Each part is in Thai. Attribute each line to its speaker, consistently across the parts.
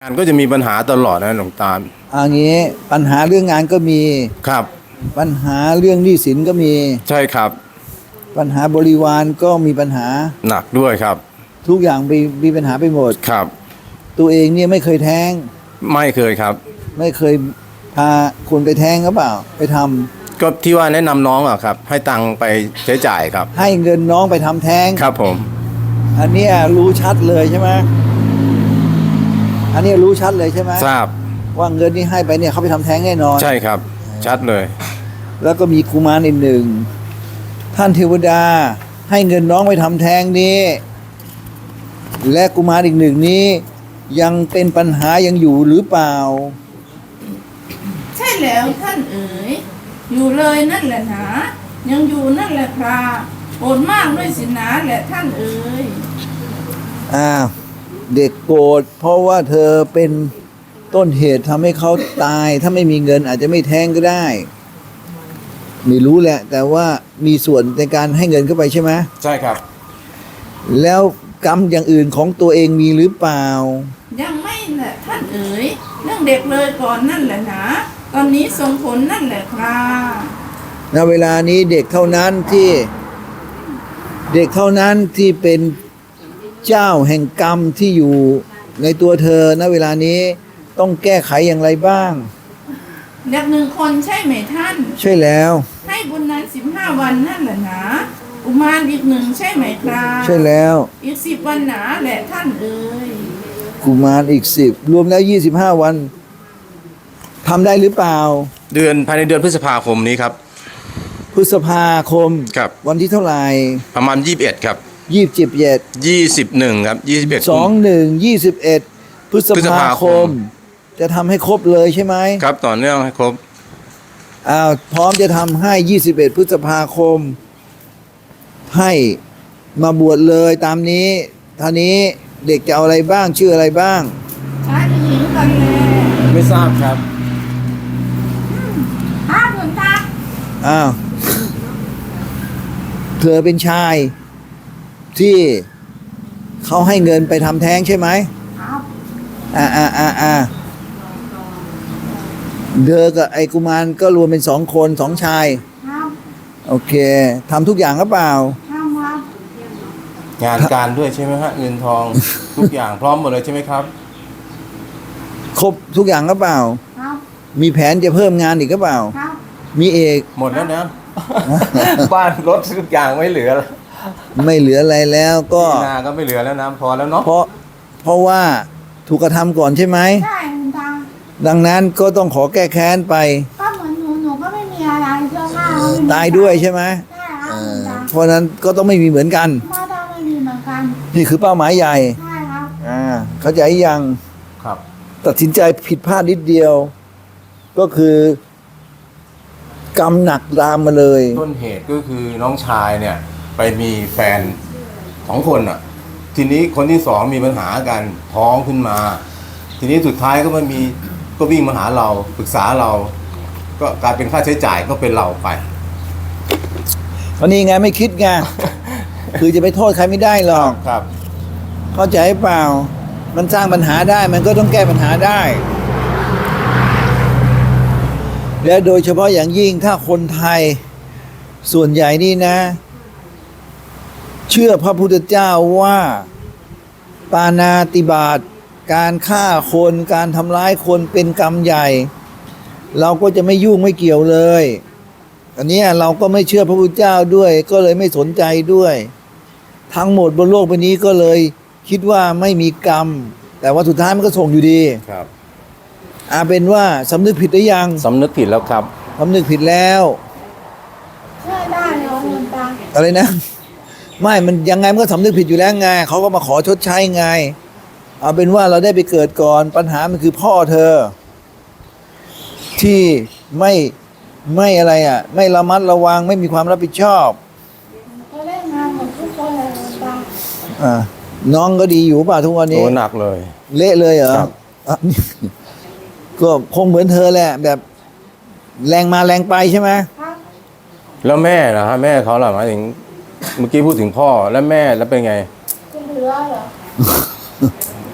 Speaker 1: งานก็จะมีปัญหาตลอดนะหลวงตา
Speaker 2: อันนี้ปัญหาเรื่องงานก็มี
Speaker 1: ครับ
Speaker 2: ปัญหาเรื่องหนี้สินก็มี
Speaker 1: ใช่ครับ
Speaker 2: ปัญหาบริวารก็มีปัญหา
Speaker 1: หนักด้วยครับ
Speaker 2: ทุกอย่างมีปัญหาไปหมด
Speaker 1: ครับ
Speaker 2: ตัวเองเนี่ยไม่เคยแท้ง
Speaker 1: ไม่เคยครับ
Speaker 2: ไม่เคยพาคนไปแท้งหรือเปล่าไปทำ
Speaker 1: ก็ที่ว่าแนะนำน้องอะครับให้ตังค์ไปใช้จ่ายครับ
Speaker 2: ให้เงินน้องไปทำแท้ง
Speaker 1: ครับผม
Speaker 2: อันนี้รู้ชัดเลยใช่ไหมอันนี้รู้ชัดเลยใช่ไหม
Speaker 1: ทราบ
Speaker 2: ว่าเงินที่ให้ไปเนี่ยเขาไปทำแท้งแน่นอน
Speaker 1: ใช่ครับชัดเลย
Speaker 2: แล้วก็มีกุมารอีกหนึ่งท่านเทวดาให้เงินน้องไปทำแท้งนี้และกุมารอีกหนึ่งนี้ยังเป็นปัญหายังอยู่หรือเปล่า
Speaker 3: ใช่แล้วท่านเอ๋ยอยู่เลยนั่นแหละหนายังอยู่นั่นแหละคราโกรธมากด้วยสินะแหละท่านเอ๋ย
Speaker 2: เด็กโกรธเพราะว่าเธอเป็นต้นเหตุทำให้เขาตายถ้าไม่มีเงินอาจจะไม่แท้งก็ได้ไม่รู้แหละแต่ว่ามีส่วนในการให้เงินเข้าไปใช่ไหม
Speaker 1: ใช่ครับ
Speaker 2: แล้วกรรมอย่างอื่นของตัวเองมีหรือเปล่า
Speaker 3: ยังไม่แหละท่านเอ๋ยเรื่องเด็กเลยก่อนนั่นแหละนะตอนนี้ส่งผลนั่นแหละครับ
Speaker 2: ณเวลานี้เด็กเท่านั้นที่เป็นเจ้าแห่งกรรมที่อยู่ในตัวเธอณเวลานี้ต้องแก้ไขอย่างไรบ้าง
Speaker 3: เด็กหนึ่งคนใช่ไหมท่าน
Speaker 2: ใช่แล้ว
Speaker 3: ให้บุญนั้น15 วันนั่นแหละนะกุมารอีกหนึ่งใช่ไหมครับ
Speaker 2: ใช่แล้ว
Speaker 3: อีก10 วันหนาแหละท่านเอ๋ย
Speaker 2: กุมารอีก10รวมแล้ว25 วันทำได้หรือเปล่า
Speaker 1: ภายในเดือนพฤษภาคมนี้ครับ
Speaker 2: พฤษภาคม
Speaker 1: ครับ
Speaker 2: วันที่เท่าไหร่
Speaker 1: ประมาณ21ครับ
Speaker 2: 21
Speaker 1: ครับ
Speaker 2: 21พฤษภาคมจะทำให้ครบเลยใช่ไหม
Speaker 1: ครับต่อเนื่องให้ครบ
Speaker 2: พร้อมจะทำให้21พฤษภาคมให้มาบวชเลยตามนี้ท่านี้เด็กจะเอาอะไรบ้างชื่ออะไรบ้าง
Speaker 3: ชายหญิงกันเลย
Speaker 1: ไม่ทราบครับ
Speaker 3: หลวงตา
Speaker 2: เธอเป็นชายที่เขาให้เงินไปทำแท้งใช่ไหม
Speaker 3: ครับ
Speaker 2: เธอกับไอ้กุมารก็รวมเป็น2 คน2 ชาย
Speaker 3: ครับ
Speaker 2: โอเคทำทุกอย่างหรือเปล่า
Speaker 3: ครับ
Speaker 1: งานการด้วยใช่ไหมฮะเงินทอง ทุกอย่างพร้อมหมดเลยใช่ไหมครับ
Speaker 2: ครบทุกอย่างหรือเปล่า
Speaker 3: ครับ
Speaker 2: มีแผนจะเพิ่มงานอีกหรือเปล่า
Speaker 3: ครับ
Speaker 2: มีเอก
Speaker 1: หมดแล้วนะ บ้านรถทุกอย่างไม่เหลือแล้ว
Speaker 2: ไม่เหลืออะไรแล้วก็
Speaker 1: นาก็ไม่เหลือแล้วนะพอแล้วเนาะ
Speaker 2: เพราะว่าถูกกระทำก่อนใช่ไหม
Speaker 3: ใช่คุณตา
Speaker 2: ดังนั้นก็ต้องขอแก้แค้นไป
Speaker 3: ก็เหมือนหนูก็ไม่มีอะไรเสื้อผ้า
Speaker 2: ตายด้วยใช่ไหม
Speaker 3: ใช่ครับ
Speaker 2: เพราะนั้นก็ต้องไม่มีเหมือนกัน
Speaker 3: ก็ต้องไม่มีเหมือนกัน
Speaker 2: นี่คือเป้าหมายใหญ่
Speaker 3: ใช่ครับ
Speaker 2: เข้าใจยัง
Speaker 1: ครับ
Speaker 2: ตัดสินใจผิดพลาดนิดเดียวก็คือกรรมหนักตามมาเลย
Speaker 1: ต้นเหตุก็คือน้องชายเนี่ยไปมีแฟน2 คนอ่ะทีนี้คนที่2มีปัญหากันท้องขึ้นมาทีนี้สุดท้ายก็วิ่งมาหาเราปรึกษาเราก็กลายเป็นค่าใช้จ่ายก็เป็นเราไป
Speaker 2: ตอนนี้ไงไม่คิดไง คือจะไปโทษใครไม่ได้หรอก
Speaker 1: ครับ
Speaker 2: เข้าใจเปล่ามันสร้างปัญหาได้มันก็ต้องแก้ปัญหาได้และโดยเฉพาะอย่างยิ่งถ้าคนไทยส่วนใหญ่นี่นะเชื่อพระพุทธเจ้าว่าปาณาติบาตการฆ่าคนการทำร้ายคนเป็นกรรมใหญ่เราก็จะไม่ยุ่งไม่เกี่ยวเลยอันนี้เราก็ไม่เชื่อพระพุทธเจ้าด้วยก็เลยไม่สนใจด้วยทั้งหมดบนโลกใบนี้ก็เลยคิดว่าไม่มีกรรมแต่ว่าสุดท้ายมันก็ส่งอยู่ดี
Speaker 1: ครับ
Speaker 2: เป็นว่าสำนึกผิดหรือยัง
Speaker 1: สำนึกผิดแล้วครับ
Speaker 2: สำนึกผิดแล้ว
Speaker 3: เชื่อได้เหรอหลวงตา
Speaker 2: อะไรนะไม่มันยังไงมันก็สำนึกผิดอยู่แล้วไงเขาก็มาขอชดใช้ไงเอาเป็นว่าเราได้ไปเกิดก่อนปัญหามันคือพ่อเธอที่ไม่อะไรไม่ระมัดระวังไม่มีความรับผิดชอบ
Speaker 3: ก็เล่นงานหมดทุกคนเลยหลวงตา
Speaker 2: น้องก็ดีอยู่ป่ะทุกวันนี้
Speaker 1: โหนักเลย
Speaker 2: เละเลยเหรอก็คงเหมือนเธอแหละแบบแรงมาแรงไปใช่ไหม
Speaker 1: แล้วแม่นะฮะแม่เขาหรอหมายถึงเมื่อกี้พูดถึงพ่อแล้วแม่แล้วเป็นไง
Speaker 3: เหลือเหรอ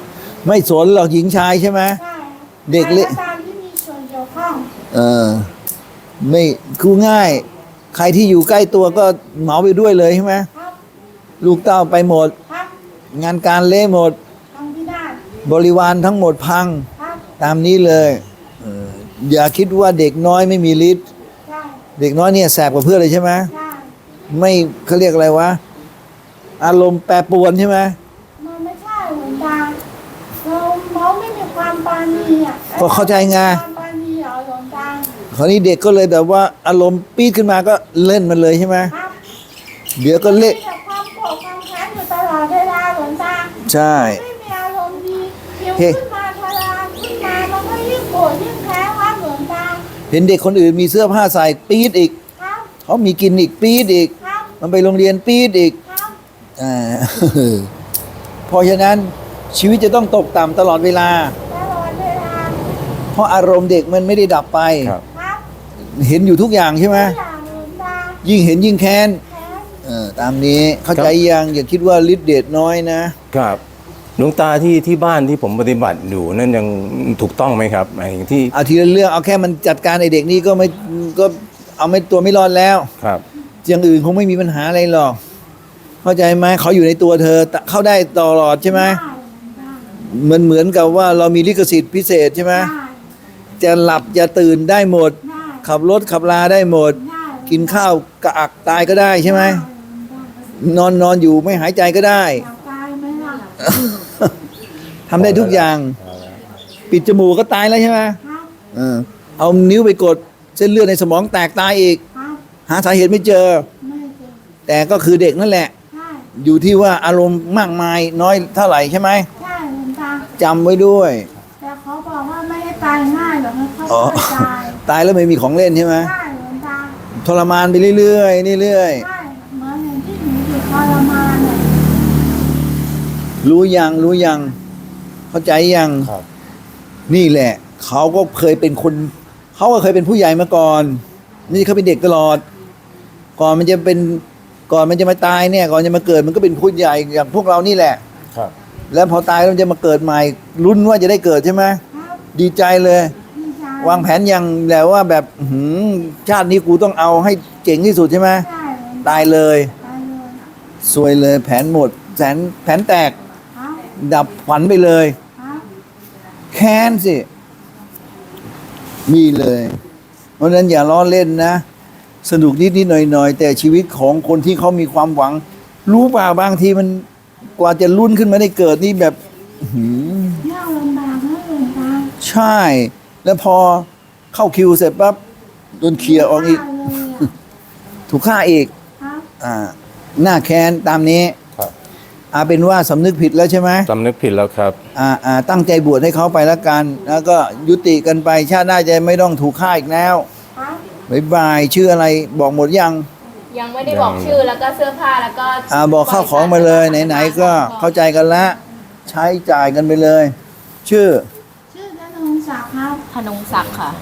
Speaker 2: ไม่สนหรอกหญิงชายใช่ไหม
Speaker 4: ใช่
Speaker 2: เด็กเล็ก
Speaker 4: ใครตามที่มีส่วนเกี่ยวข้อง
Speaker 2: เออไม่คือง่าย ใครที่อยู่ใกล้ตัวก็เหมาไปด้วยเลยใช่ไหม
Speaker 4: ครับ
Speaker 2: ลูกเต้าไปหมด
Speaker 4: ครับ
Speaker 2: งานการเละหมด
Speaker 4: ทำพินาศ
Speaker 2: บริวารทั้งหมดพัง
Speaker 4: ครับ
Speaker 2: ตามนี้เลยเอออย่าคิดว่าเด็กน้อยไม่มีฤทธิ์
Speaker 4: ใช่
Speaker 2: เด็กน้อยเนี่ยแสบกว่าเพื่อนเลยใช่ไหม
Speaker 4: ใช่
Speaker 2: ไม่เขาเรียกอะไรวะ อารมณ์แปรปรวนใช่ไหม
Speaker 4: มันไม่ใช่หลวงตาเราไม่มีความปราณีอ่ะ
Speaker 2: ก็เข้าใจไง
Speaker 4: ความปราณีเหรอหลวงตา
Speaker 2: คราวนี้เด็กก็เลยแบบว่าอารมณ์ปี๊ดขึ้นมาก็เล่นมันเลยใช่ไหม
Speaker 4: ครับ
Speaker 2: เดี๋ยวก็เละ
Speaker 4: มีแต่ความโกรธความแค้นอยู่ตลอดเวลาหลวงตา
Speaker 2: ใช่
Speaker 4: ไม่มีอารมณ์ดีหิว
Speaker 2: เฮ้
Speaker 4: ขึ้นมาทลานขึ้นมามันก็ยิ่งโกรธยิ่งแค้นครับหลวงตา
Speaker 2: เห็นเด็กคนอื่นมีเสื้อผ้าใส่ปี๊ดอีก
Speaker 4: ครับ
Speaker 2: เขามีกินอีกปี๊ดอีก
Speaker 4: ครับ
Speaker 2: มันไปโรงเรียนปี๊ดอีก
Speaker 4: ครับ
Speaker 2: อ่า เพราะฉะนั้นชีวิตจะต้องตกต่ำตลอดเวลา
Speaker 4: ตลอดเวลา
Speaker 2: เพราะอารมณ์เด็กมันไม่ได้ดับไป
Speaker 1: ครับ
Speaker 4: ครับ
Speaker 2: เห็นอยู่ทุกอย่างใช่ไหม
Speaker 4: ทุกอย่างหลวงตา
Speaker 2: ยิ่งเห็นยิ่งแค้น
Speaker 4: แค้น
Speaker 2: ตามนี้เข้าใจยังอย่าคิดว่าฤทธิ์เดชน้อยนะครับ
Speaker 1: หลวงตาที่บ้านที่ผมปฏิบัติอยู่นั่นยังถูกต้องไหมครับหมายถึงที่
Speaker 2: เอาทีละเรื่องเอาแค่มันจัดการไอเด็กนี่ก็ไม่ก็เอาไม่ตัวไม่รอดแล้ว
Speaker 1: ครับ
Speaker 2: อย่างอื่นคงไม่มีปัญหาอะไรหรอก เข้าใจไหมเขาอยู่ในตัวเธอเข้าได้ตลอดใช่ไหม
Speaker 4: ได้หลวงตา
Speaker 2: เหมือนกับว่าเรามีลิขสิทธิ์พิเศษใช่ไหม
Speaker 4: ได้
Speaker 2: จะหลับจะตื่นได้หมด
Speaker 4: ได้
Speaker 2: ขับรถขับลาได้หมด
Speaker 4: ได้
Speaker 2: กินข้าวกระอักตายก็ได้ใช่ไหม
Speaker 4: ได้หลวงตาน
Speaker 2: อนอยู่ไม่หายใจก็ได้
Speaker 4: อยากตายไหมล่ะ
Speaker 2: ทำได้ทุกอย่าง ปิดจมูกก็ตายแล้วใช่ไหม
Speaker 4: ครับ
Speaker 2: เอานิ้วไปกดเส้นเลือดในสมองแตกตายอีก
Speaker 4: ครับ
Speaker 2: หาสาเหตุไม่เจอ
Speaker 4: ไม่เจอ
Speaker 2: แต่ก็คือเด็กนั่นแหละ
Speaker 4: ใช่
Speaker 2: อยู่ที่ว่าอารมณ์มากมายน้อยเท่าไหร่ใช่ไหม
Speaker 4: ใช่หลวงตา
Speaker 2: จำไว้ด้วย
Speaker 4: แต่เขาบอกว่าไม่ได้ตายง่ายหรอกค่อย
Speaker 2: อ๋อ
Speaker 4: ๆตาย
Speaker 2: ตายแล้วไม่มีของเล่นใช่ไหม
Speaker 4: ใช่หลวงตา
Speaker 2: ทรมานไปเรื่อยๆเรื่อย
Speaker 4: ใช่เหมือนอย่างที่หนูอยู่ทรมานเนี่ย
Speaker 2: ๆรู้ยัง เข้าใจยัง
Speaker 1: ครับ
Speaker 2: นี่แหละ เขาก็เคยเป็นคน เขาก็เคยเป็นผู้ใหญ่มาก่อน นี่เขาเป็นเด็กตลอด ก่อนมันจะมาตายเนี่ย ก่อนจะมาเกิดมันก็เป็นผู้ใหญ่อย่างพวกเรานี่แหละ
Speaker 1: ครับ
Speaker 2: แล้วพอตายแล้วมันจะมาเกิดใหม่ลุ้นว่าจะได้เกิดใช่ไหม
Speaker 4: ครับ
Speaker 2: ดีใจเลย
Speaker 4: ดีใจ
Speaker 2: วางแผนอย่างแล้วว่าแบบชาตินี้กูต้องเอาให้เจ๋งที่สุดใช่ไหม
Speaker 4: ใช่หลวงตา
Speaker 2: ตายเลย
Speaker 4: ตายเลย
Speaker 2: ซวยเลยแผนหมดแผนแตก
Speaker 4: ครับ
Speaker 2: ดับฝันไปเลย
Speaker 4: ครับ
Speaker 2: แค้นสิมีเลย เพราะฉะนั้นอย่าล้อเล่นนะ สนุกนิดๆหน่อยๆ แต่ชีวิตของคนที่เขามีความหวัง รู้เปล่าบางทีมันกว่าจะรุ่นขึ้นมาได้เกิดนี่แบบอื้อหือย
Speaker 4: ากลำบากนะหลวงตา
Speaker 2: ใช่ แล้วพอเข้าคิวเสร็จปั๊บโดนเคลียร์ออกอีก
Speaker 4: เลยอะ
Speaker 2: ถูกฆ่าอีก
Speaker 4: ครับ
Speaker 2: หน้าแค้นตามนี้
Speaker 1: ครับ
Speaker 2: เป็นว่าสำนึกผิดแล้วใช่ไหม
Speaker 1: สำนึกผิดแล้วครับ
Speaker 2: ตั้งใจบวชให้เขาไปแล้วกัน แล้วก็ยุติกันไปชาติหน้าจะไม่ต้องถูกฆ่าอีกแล้ว
Speaker 4: ครับ
Speaker 2: บ๊ายบายชื่ออะไรบอกหมดยัง
Speaker 5: ยังไม่ได้บอกชื่อแล้วก็เสื้อผ้าแล้วก็
Speaker 2: บอกข้าวของมาเลยไหนๆก็เข้าใจกันละใช้จ่ายกันไปเลย ชื่อ
Speaker 4: ชื่อธนงศักดิ์ครับ
Speaker 5: ธนงศักดิ์ค่ะ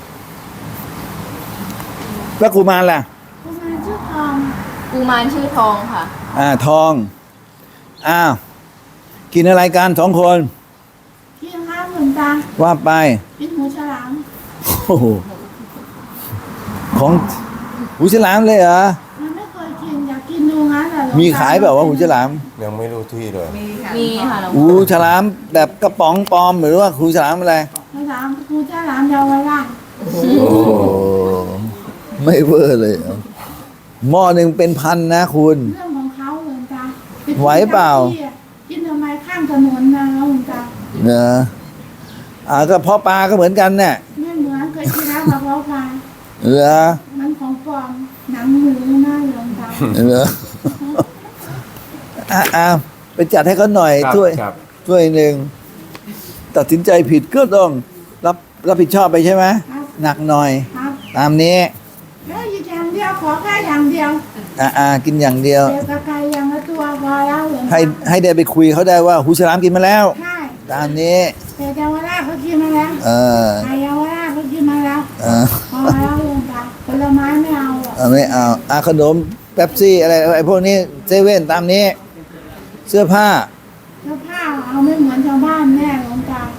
Speaker 2: พระกุมารล่ะ
Speaker 4: คุณมาชื่อทอง
Speaker 5: กูมารชื่อทองค่ะ
Speaker 2: ทองอ้าวกินอะไรกันสองคน
Speaker 4: กินครับหลวงตา
Speaker 2: ว่าไป
Speaker 4: กินหมูฉลาม
Speaker 2: โอ้โหของหูฉลามเลยเหรอ
Speaker 4: มันไม่เคยกินอยากกินดูงั้นแหละหลวงต
Speaker 2: มีขายแบบว่าวะหูฉลาม
Speaker 1: ยังไม่รู้ที่เลย
Speaker 5: มีค่ะหลวง
Speaker 2: หูฉลามแบบกระป๋องปลอมหรือว่าหูฉลามอะไร
Speaker 4: ฉลามหมูฉลามเยาวราช
Speaker 2: โอ้ไม่เวอร์เลยเหรอหม้อหนึ่งเป็นพันนะคุณ
Speaker 4: เรื่องของเขาหลวงตา
Speaker 2: ไหวเปล่า
Speaker 4: กินทำไมข้างถนนนะหลวงตา
Speaker 2: เนอะก็เพาะปลาก็เหมือนกันเนี่ย
Speaker 4: ไม่เหมือนเคยกินแล้วกับเพาะปลา
Speaker 2: เหรอ
Speaker 4: มันของปลอมหนังหมูนะหลวงตา
Speaker 2: เหรอไปจัดให้เขาหน่อย
Speaker 1: ครับ
Speaker 2: ถ้วย
Speaker 1: ครับ
Speaker 2: ถ้วยหนึ่งตัดสินใจผิดก็ต้องรับผิดชอบไปใช่ไหม
Speaker 4: ครับ
Speaker 2: หนักหน่อย
Speaker 4: ครับ
Speaker 2: ตามนี้
Speaker 4: แล้วอีกอย่างเดียวขอแค่อย่างเดียว
Speaker 2: กินอย่างเดียว
Speaker 4: เด็กกับไก่อย่างละตัวพอแล้วหลวงตา
Speaker 2: ให้ได้ไปคุยเขาได้ว่าหูฉลามกินมาแล้ว
Speaker 4: ใช่
Speaker 2: ตามนี้
Speaker 4: แต่เยาวราชเขากินมาแล้ว
Speaker 2: เออ
Speaker 4: ไก่เยาวราชเขากินมาแล้ว
Speaker 2: เออ
Speaker 4: พอแล้วหลวงตาผลไม้ไม่เอาหรอก
Speaker 2: ไม่เอาขนมเป๊ปซี่อะไรไอ้พวกนี้เซเว่นตามนี้ เสื้อผ้า
Speaker 4: เสื้อผ้าเอาไม่เหมือนชาวบ้านแน่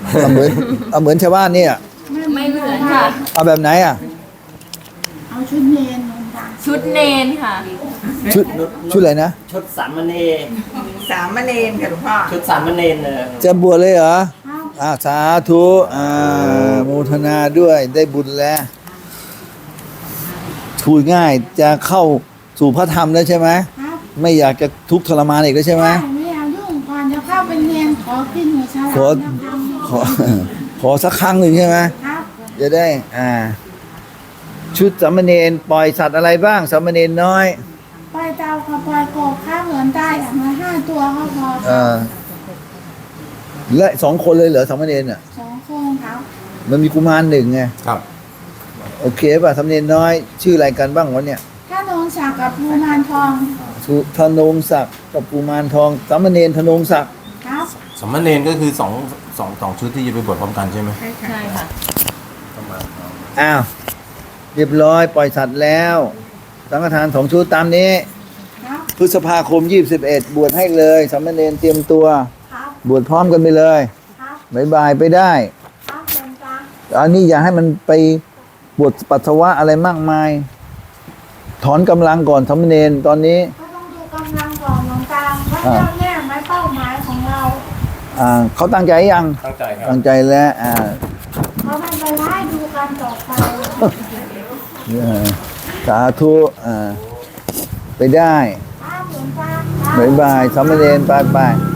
Speaker 2: เอาเหมือนชาวบ้านเนี่ย
Speaker 5: ไม่เหมือนค่ะ
Speaker 2: เอาแบบไหนอ่ะ
Speaker 4: เอาชุดเนรหลวงตา
Speaker 5: ชุดเนนค่ะ
Speaker 2: ชุดอะไรนะ
Speaker 6: ชุดสามเณร
Speaker 7: สามเณรค่ะหลวงพ่อ
Speaker 6: ชุดสามเณรเลย
Speaker 2: จะบวชเลยเหรอ
Speaker 4: ครับ
Speaker 2: สาธุโมทนาด้วยได้บุญแล้วพูดง่ายจะเข้าสู่พระธรรมแล้วใช่ไหม
Speaker 4: ครับ
Speaker 2: ไม่อยากจะทุกข์ทรมานอีกแล้วใช่ไหม
Speaker 4: ไม่เอายุ่งก่อนจะเข้าเป็นเนรขอกินหัวฉลาม
Speaker 2: ขอ
Speaker 4: นะครับ
Speaker 2: ขอสักครั้งหนึ่งใช่ไหม
Speaker 4: ครับ
Speaker 2: จะได้ ชุดสามเณรปล่อยสัตว์อะไรบ้างสามเณรน้อย
Speaker 4: ปล่อยเตากับปล่อยกบข้าวเหมือนได้อย่างละ5 ตัวก็พอค
Speaker 2: เอ
Speaker 4: รับ
Speaker 2: และ2 คนเลยเหรอสามเณรอ่ะ
Speaker 4: 2 คนครับ
Speaker 2: มันมีกุมารหนึ่งไง
Speaker 1: ครับ
Speaker 2: โอเคป่ะสามเณรน้อย ชื่ออะไรกันบ้างวะเนี่ย
Speaker 4: ถ้าโดนสักกับภูมานทอง
Speaker 2: ธนงศักดิ์กับกุมารทองสามเณรธนงศักดิ์
Speaker 4: ครับ
Speaker 1: สามเณรก็คือสองชุดที่จะไปบวชพร้อมกันใช่ไหม
Speaker 5: ใช่ค่ะ
Speaker 2: อ้าวเรียบร้อยปล่อยสัตว์แล้วสังฆทาน2 ชุดตามนี้
Speaker 4: ครับ
Speaker 2: พฤษภาคม21บวชให้เลยสามเณรเตรียมตัว
Speaker 4: ครับ
Speaker 2: บวชพร้อมกันไปเลย
Speaker 4: ครับ
Speaker 2: บายบายไปได้
Speaker 4: ครับหลวงตา
Speaker 2: อันนี้อย่าให้มันไปบวชปัสสาวะอะไรมากมาย ถอนกำลังก่อนสามเณรตอนนี้
Speaker 4: ก็ต้องดูกำลังก่อนหลวงตาว่าเจ้าแน่ไหมเป้าหมายของเรา
Speaker 2: เขาตั้งใจยัง
Speaker 1: ตั้งใจครับ
Speaker 2: ตั้งใจแล้ว
Speaker 4: เขาไม่ไปไล่ดูกันต่อไป
Speaker 2: สาธุไปได้
Speaker 4: ครับหลวงตา
Speaker 2: บายบายสามเณรไป